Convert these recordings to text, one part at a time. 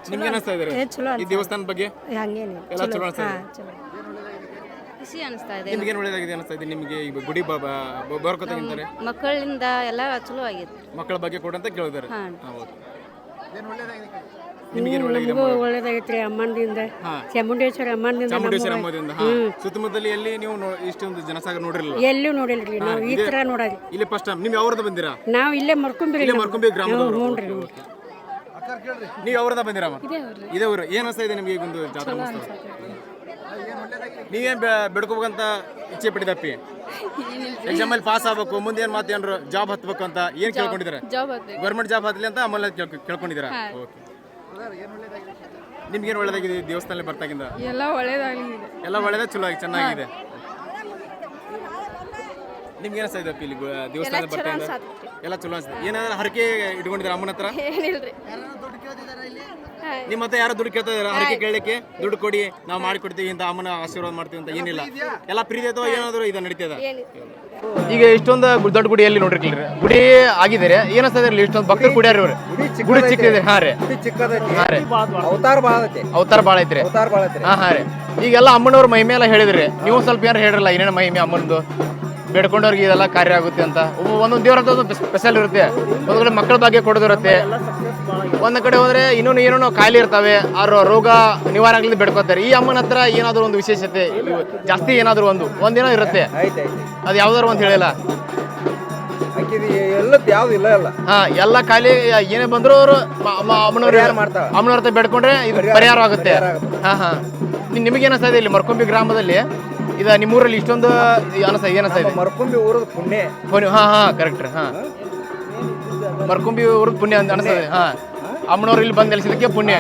ನಿಮ್ಗೆ ಅನಿಸ್ತಾ ಇದ್ದಾರೆ ಈ ದೇವಸ್ಥಾನದ ಬಗ್ಗೆ ಹಂಗೇನು ಎಲ್ಲ ಚಲೋ ಅನಿಸ್ತಾ ಇದೆ ಚಲೋ ಖುಷಿ ಅನಿಸ್ತಾ ಇದೆ. ನಿಮ್ಗೆ ಏನು ಒಳ್ಳೇದಾಗಿದೆ ಅನಿಸ್ತಾ ಇದೆ ನಿಮಗೆ ಈಗ ಗುಡಿ ಬರ್ಕೋತಾಗಿಂತಾರೆ ಮಕ್ಕಳಿಂದ ಎಲ್ಲ ಚಲೋ ಆಗೈತೆ. ಮಕ್ಕಳ ಬಗ್ಗೆ ಕೊಡಂತ ಕೇಳಿದಾರೆ ಹಾ. ನಿಮಗೆ ಒಳ್ಳೇದಾಗಿದೆ ಒಳ್ಳೇದಾಗೈತ್ರಿ ಅಮ್ಮನದಿಂದ ಚಾಮುಂಡೇಶ್ವರಿ ಅಮ್ಮನದಿಂದ ಚಾಮುಂಡೇಶ್ವರಿ ಅಮ್ಮದಿಂದ ಸುತ್ತಮುತ್ತಲ ಎಲ್ಲಿ ನೀವು ಇಷ್ಟೊಂದು ಜನಸಾಗರ ನೋಡಿರಲಿಲ್ಲ ಎಲ್ಲೂ ನೋಡಿಲ್ರಿ ನಾವು ಈ ತರ ನೋಡಾರಿ ಇಲ್ಲಿ ಫಸ್ಟ್ ಟೈಮ್ ನೀವು ಯಾವ್ರದ ಬಂದಿರಾ ನಾವು ಇಲ್ಲೇ ಮರ್ಕೊಂಬಿರಿ ಇಲ್ಲೇ ಮರ್ಕೊಂಬಿ ಗ್ರಾಮದವರು ನೋಡ್ರಿ ನೀವು ಯಾವ್ರದ ಬಂದಿರಮ್ಮ ಇದೇ ಊರು ಏನ್ ಅನಿಸ್ತಾ ಇದೆ ನಿಮಗೆ ಈಗ ಒಂದು ಜಾತ್ರಾ ಮಹೋತ್ಸವ ನೀವೇನ್ ಬೆಡ್ಕೋಬೇಕಂತ ಇಚ್ಛೆ ಪಟ್ಟಿದಪ್ಪಿ ಎಕ್ಸಾಮ್ ಅಲ್ಲಿ ಪಾಸ್ ಆಗ್ಬೇಕು ಮುಂದೆ ಏನ್ ಮಾತೇನ್ರು ಜಾಬ್ ಹತ್ಬೇಕು ಅಂತ ಏನ್ ಕೇಳ್ಕೊಂಡಿದ್ದಾರೆ ಗೌರ್ಮೆಂಟ್ ಜಾಬ್ ಹತ್ಲಿ ಅಂತ ಆಮೇಲೆ ಕೇಳ್ಕೊಂಡಿದ್ದೀರಾ ಓಕೆ ನಿಮ್ಗೇನು ಒಳ್ಳೇದಾಗಿದೆ ದೇವಸ್ಥಾನ ಬರ್ತಾಗಿಂದ ಎಲ್ಲ ಒಳ್ಳೇದಾಗಲಿ. ಎಲ್ಲ ಒಳ್ಳೇದ ಚಲೋ ಆಗಿ ಚೆನ್ನಾಗಿದೆ ನಿಮ್ಗೆ ಏನಿಸ್ತಾ ಇದೆ ಇಲ್ಲಿ ದೇವಸ್ಥಾನ ಬರ್ತಾಗಿಂದ ಎಲ್ಲ ಚಲೋ ಅನ್ಸುತ್ತೆ ಏನಾದ್ರು ಹರಕೆ ಇಟ್ಕೊಂಡಿದ್ದೀರಾ ಅಮ್ಮನ ಹತ್ರ ಏನಿಲ್ರಿ. ನಿಮ್ಮ ಹತ್ರ ಯಾರು ದುಡ್ಡು ಕೇಳ್ತಾ ಇದಾರೆ ಹರಕೆ ಕೇಳಲಿಕ್ಕೆ ದುಡ್ಡು ಕೊಡಿ ನಾವು ಮಾಡಿಕೊಡ್ತೀವಿ ಅಂತ ಅಮ್ಮನ ಆಶೀರ್ವಾದ ಮಾಡ್ತೀವಿ ಅಂತ ಏನಿಲ್ಲ ಎಲ್ಲ ಪ್ರೀತಿ ಅಥವಾ ಏನಾದ್ರು ಇದು ನಡೀತದ ಈಗ ಇಷ್ಟೊಂದು ದೊಡ್ಡ ಗುಡಿ ಎಲ್ಲಿ ನೋಡಿರ್ಲಿಲ್ಲ ಗುಡಿ ಆಗಿದ್ದಾರೆ ಏನಿಸ್ತಾ ಇದ್ರಲ್ಲಿ ಇಷ್ಟೊಂದು ಭಕ್ತರು ಕುಡಿಯಾರ ಇವ್ರು ಗುಡಿ ಚಿಕ್ಕಿದೆ ಹಾ ರೀ ಅವತಾರ ಬಾಳ ಐತ್ರಿ ಹಾ ರೀ ಈಗೆಲ್ಲ ಅಮ್ಮನವ್ರ ಮಹಿಮೆ ಎಲ್ಲ ಹೇಳಿದ್ರಿ ನೀವು ಸ್ವಲ್ಪ ಏನಾರು ಹೇಳಿರಲ್ಲ ಏನೇನು ಮಹಿಮೆ ಅಮ್ಮನದು ಬೇಡ್ಕೊಂಡವ್ರಿಗೆ ಇದೆಲ್ಲ ಕಾರ್ಯ ಆಗುತ್ತೆ ಅಂತ ಒಂದೊಂದು ದೇವ್ರ ಅಂತ ಒಂದು ಸ್ಪೆಷಲ್ ಇರುತ್ತೆ ಒಂದ್ ಕಡೆ ಮಕ್ಕಳ ಬಗ್ಗೆ ಕೊಡೋದಿರುತ್ತೆ ಒಂದ್ ಕಡೆ ಹೋದ್ರೆ ಇನ್ನೊಂದು ಏನೇನೋ ಕಾಯಿಲೆ ಇರ್ತವೆ ಆ ರೋಗ ನಿವಾರಣೆಗಳಿಂದ ಬೇಡ್ಕೋತಾರೆ ಈ ಅಮ್ಮನ ಹತ್ರ ಏನಾದ್ರು ಒಂದು ವಿಶೇಷತೆ ಜಾಸ್ತಿ ಏನಾದ್ರು ಒಂದೇನೋ ಇರುತ್ತೆ ಅದು ಯಾವ್ದಾರು ಅಂತ ಹೇಳಿಲ್ಲ ಹಾ ಎಲ್ಲ ಕಾಯಿಲೆ ಏನೇ ಬಂದ್ರು ಅವರು ಅಮ್ಮನವ್ರ ಹತ್ರ ಬೇಡ್ಕೊಂಡ್ರೆ ಇದು ಪರಿಹಾರ ಆಗುತ್ತೆ ಹಾ ಹಾ ನಿಮಗೆ ಏನಿಸ್ತಾ ಇದೆ ಇಲ್ಲಿ ಮರ್ಕೊಂಬಿ ಗ್ರಾಮದಲ್ಲಿ ಇದು ನಿಮ್ಮೂರಲ್ಲಿ ಇಷ್ಟೊಂದು ಅನಿಸ್ತಾ ಇದೆ ಮರ್ಕೊಂಬಿ ಊರದ ಪುಣ್ಯ ಹಾ ಹಾ ಕರೆಕ್ಟ್ ಹಾ ಮರ್ಕೊಂಬಿ ಊರದ ಪುಣ್ಯ ಅಂತ ಅನಿಸ್ತದೆ ಹಾ ಅಮ್ಮನವ್ರು ಇಲ್ಲಿ ಬಂದು ನೆಲೆಸಿದಕ್ಕೆ ಪುಣ್ಯ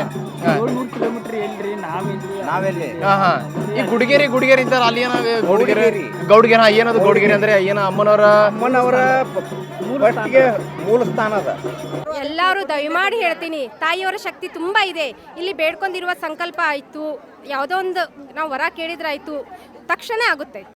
ಹಾ ಹಾ ಈ ಗುಡಿಗೇರಿ ಅಂತಾರ ಅಲ್ಲಿ ಏನೋ ಗೌಡ್ಗೆರೆ ಏನದು ಗೌಡ್ಗೆರೆ ಅಂದ್ರೆ ಏನ ಅಮ್ಮನವರ ಮೂಲ ಸ್ಥಾನ ಅದ. ಎಲ್ಲರೂ ದಯಮಾಡಿ ಹೇಳ್ತೀನಿ ತಾಯಿಯವರ ಶಕ್ತಿ ತುಂಬಾ ಇದೆ. ಇಲ್ಲಿ ಬೇಡ್ಕೊಂಡಿರುವ ಸಂಕಲ್ಪ ಆಯ್ತು ಯಾವುದೋ ಒಂದು ನಾವು ವರ ಕೇಳಿದ್ರಾಯ್ತು ತಕ್ಷಣ ಆಗುತ್ತೆ.